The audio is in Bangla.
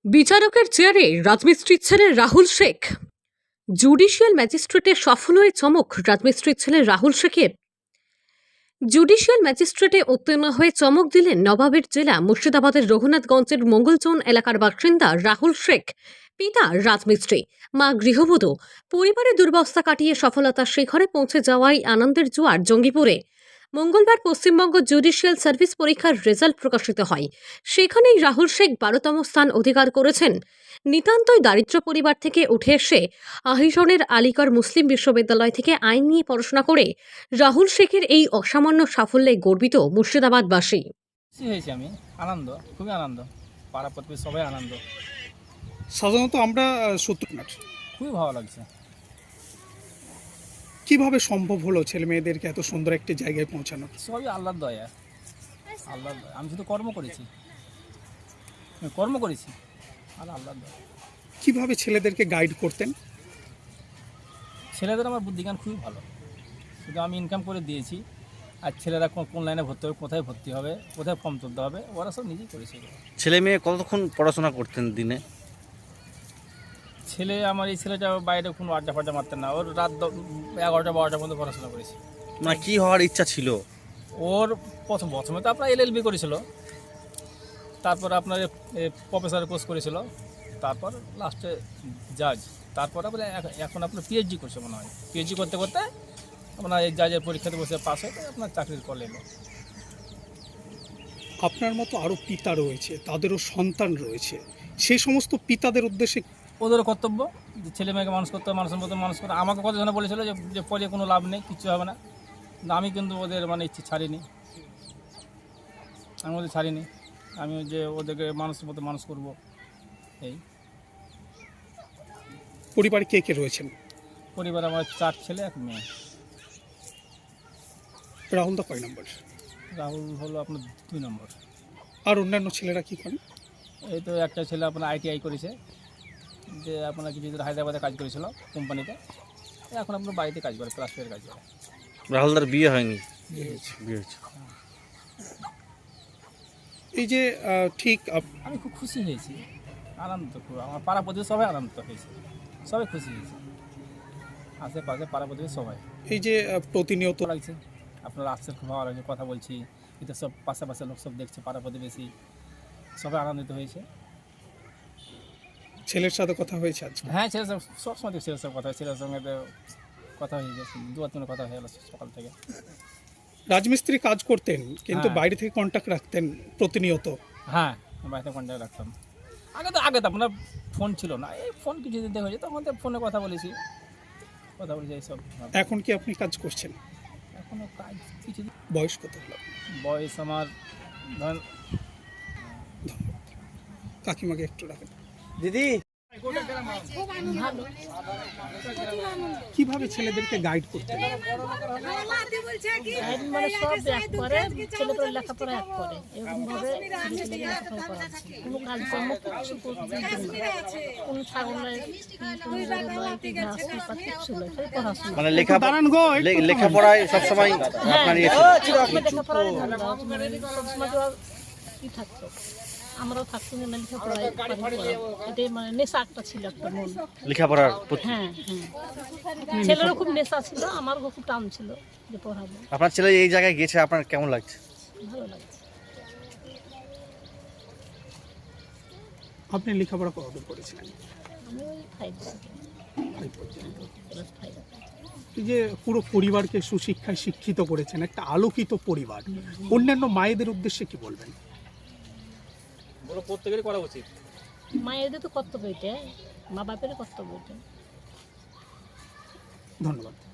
বিচারকের চেয়ারে রাজমিস্ত্রির ছেলে রাহুল শেখ। জুডিশিয়াল ম্যাজিস্ট্রেটের সফল হয়ে চমক রাজমিস্ত্রির ছেলে রাহুল শেখের। জুডিশিয়াল ম্যাজিস্ট্রেটে উত্তীর্ণ হয়ে চমক দিলেন নবাবের জেলা মুর্শিদাবাদের রঘুনাথগঞ্জের মঙ্গলচৌন এলাকার বাসিন্দা রাহুল শেখ। পিতা রাজমিস্ত্রি, মা গৃহবধূ। পরিবারের দুর্বস্থা কাটিয়ে সফলতার শিখরে পৌঁছে যাওয়াই আনন্দের জোয়ার জঙ্গিপুরে। মঙ্গলবার পশ্চিমবঙ্গ জুডিশিয়াল সার্ভিস পরীক্ষার রেজাল্ট প্রকাশিত হয়। সেখানেই রাহুল শেখ 12তম স্থান অধিকার করেছেন। নিতান্তই দারিদ্র পরিবার থেকে উঠে এসে আহিরনের আলিগড় মুসলিম বিশ্ববিদ্যালয় থেকে আইন নিয়ে পড়াশোনা করে রাহুল শেখের এই অসামান্য সাফল্যে গর্বিত মুর্শিদাবাদবাসী। খুশি হয়েছি আমি, আনন্দ, খুবই আনন্দ, পাড়া প্রতিবেশী সবাই আনন্দ, সাধারণত আমরা সত্যনাট খুবই ভালো লাগছে। কিভাবে সম্ভব হলো ছেলে মেয়েদেরকে এত সুন্দর একটি জায়গায় পৌঁছানো? সবই আল্লাহর দয়া, আল্লাহর দয়া। আমি শুধু কর্ম করেছি আর আল্লাহর দয়া। কিভাবে ছেলেদেরকে গাইড করতেন? ছেলেদের আমার বুদ্ধিজ্ঞান খুবই ভালো, শুধু আমি ইনকাম করে দিয়েছি। আর ছেলেরা কোন লাইনে ভর্তি হবে, কোথায় ভর্তি হবে, কোথায় ফর্ম তুলতে হবে, ওরা সব নিজেই করেছে। ছেলে মেয়ে কতক্ষণ পড়াশোনা করতেন দিনে? ছেলে আমার এই ছেলেটা বাইরে কোনো আড্ডা ফাড্ডা মারতেন না, ওর রাত 11টা 12টা পর্যন্ত পড়াশোনা করেছে। না, কি হওয়ার ইচ্ছা ছিল ওর প্রথমে তো আপনার LLB করেছিল, তারপর আপনার প্রফেসর কোর্স করেছিল, তারপর লাস্টে জাজ, তারপর আপনার এখন আপনার PhD করছে মনে হয়। PhD করতে করতে আপনার এই জাজের পরীক্ষাতে বসে পাস হয়ে আপনার চাকরির কল এলো। আপনার মতো আরও পিতা রয়েছে, তাদেরও সন্তান রয়েছে, সেই সমস্ত পিতাদের উদ্দেশ্যে ওদেরও কর্তব্য যে ছেলে মেয়েকে মানুষ করতে হবে, মানুষের মতো মানুষ করে। আমাকে কতজনে বলেছিল যে পরে কোনো লাভ নেই, কিচ্ছু হবে না। কিন্তু আমি কিন্তু ওদের ইচ্ছে ছাড়িনি, আমি যে ওদেরকে মানুষের মতো মানুষ করব। এই পরিবারে কে কে রয়েছেন? পরিবার আমার 4 ছেলে 1 মেয়ে। রাহুল দা কয় নম্বর? রাহুল হলো আপনার 2 নম্বর। আর অন্যান্য ছেলেরা কি করেন? এই তো একটা ছেলে আপনার ITI করেছে, যে আপনার কিছু হায়দ্রাবাদে কাজ করেছিল কোম্পানিতে, এখন আপনার বাড়িতে কাজ করে, প্লাস্টারের কাজ করে। রাহুলদার বিয়ে হয়নি? বিয়ে হয়েছে। এই যে ঠিক আমি খুব খুশি হয়েছি, আনন্দ খুব। আমার পাড়া প্রতিবেশী সবাই আনন্দ হয়েছে, সবাই খুশি হয়েছে, আশেপাশে পাড়া প্রতিবেশী সবাই। এই যে প্রতিনিয়ত লাগছে আপনার আসছে, খুব ভালো লাগছে, কথা বলছি, এটা সব পাশাপাশি লোক সব দেখছে, পাড়া প্রতিবেশী সবাই আনন্দিত হয়েছে। ছেলের সাথে কথা হয়েছে আজকে? হ্যাঁ, ছেলের সবসময় ছেলের সব কথা, ছেলের সঙ্গে তো কথা হয়ে গেছে, 2-3 কথা হয়ে গেল সকাল থেকে। রাজমিস্ত্রি কাজ করতেন কিন্তু হ্যাঁ। বাইরে থেকে কন্ট্যাক্ট রাখতেন প্রতিনিয়ত? হ্যাঁ, বাড়িতে কন্ট্যাক্ট রাখতাম। আগে তো আপনার ফোন ছিল না, এই ফোন কিছুদিন থেকে হয়েছে, তখন তো ফোনে কথা বলেছি এইসব। এখন কি আপনি কাজ করছেন? এখনও কাজ কিছু। বয়স কত হলো? বয়স আমার ধরেন। কাকিমাকে একটু রাখেন। দিদি, কিভাবে ছেলেদেরকে গাইড করতেন? মানে সব এক করে, ছেলেপেলে লেখাপড়া এক করে, এরকম ভাবে ছেলেপেলে লেখাপড়া করাচ্ছে। কোনো কাজকর্ম কিছু করতে দিতেন না, কোনো ছাগলের কোনো জায়গায় ঘাস পাতা কিচ্ছু নয়, খালি পড়াশোনা। মানে লেখাপড়ায় সবসময় আপনার ইয়ে ছিল? লেখাপড়ায় ধান্দা, সবসময় তো আর কি থাকতো, আমরাও থাকতো না লেখাপড়ায়, এটাই মানে নেশা একটা ছিল, একটা মন লেখাপড়ার প্রতি? হ্যাঁ, ছেলেরও খুব নেশা ছিল, আমারও খুব টান ছিল যে পড়াবো। আপনার ছেলে এই জায়গায় গেছে, আপনার কেমন লাগছে? ভালো লাগছে। আপনি লেখাপড়া কতদূর করেছিলেন? আমি ওই 5 এই যে পুরো পরিবারকে সুশিক্ষায় শিক্ষিত করেছেন, একটা আলোকিত পরিবার, অন্যান্য মায়েদের উদ্দেশ্যে কি বলবেন? বলো, প্রত্যেকেরই করা উচিত। মায়েদের তো কর্তব্য এটা, মা বাপের কর্তব্য এটা। ধন্যবাদ।